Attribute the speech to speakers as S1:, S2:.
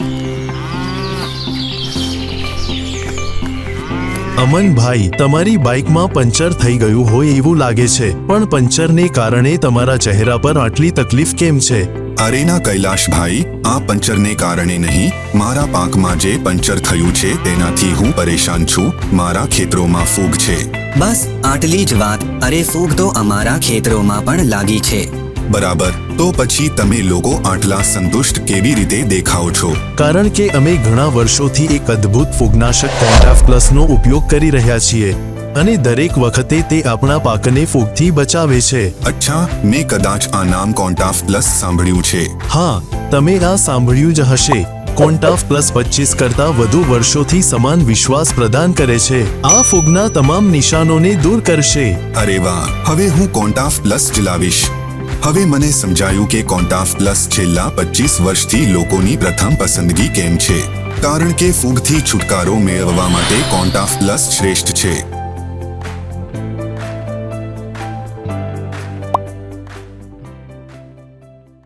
S1: અમનભાઈ, તમારી બાઇકમાં પંચર થઈ ગયું હોય એવું લાગે છે, પણ પંચરને કારણે તમારા ચહેરા પર આટલી તકલીફ કેમ છે?
S2: અરે ના કૈલાશભાઈ, આ પંચરને કારણે નહીં, મારા પાકમાં જે પંચર થયું છે તેનાથી હું પરેશાન છું. મારા ખેતરોમાં ફૂગ છે.
S3: બસ આટલી જ વાત. અરે ફૂગ તો અમારા ખેતરોમાં પણ લાગી છે.
S2: બરાબર, તો પછી તમે લોકો આટલા સંતુષ્ટ કેવી રીતે દેખાઓ છો?
S1: કારણ કે અમે ઘણા વર્ષોથી એક અદ્ભુત ફૂગનાશક કોન્ટાફ પ્લસનો ઉપયોગ કરી રહ્યા છીએ અને દરેક વખતે તે આપણા પાકને ફૂગથી બચાવે છે.
S2: અચ્છા, મેં કદાચ આ નામ કોન્ટાફ પ્લસ સાંભળ્યું છે.
S1: હા, તમે આ સાંભળ્યું જ હશે. કોન્ટાફ પ્લસ 25 કરતા વધુ વર્ષોથી સમાન વિશ્વાસ પ્રદાન કરે છે. આ ફૂગના તમામ નિશાનોને દૂર કરશે.
S2: અરે વાહ, હવે હું કોન્ટાફ પ્લસ જ લાવીશ. હવે મને સમજાયું કે કોન્ટાફ પ્લસ છેલ્લા 25 વર્ષથી લોકોની પ્રથમ પસંદગી કેમ છે. કારણ કે ફૂગથી છુટકારો મેળવવા માટે કોન્ટાફ પ્લસ શ્રેષ્ઠ છે.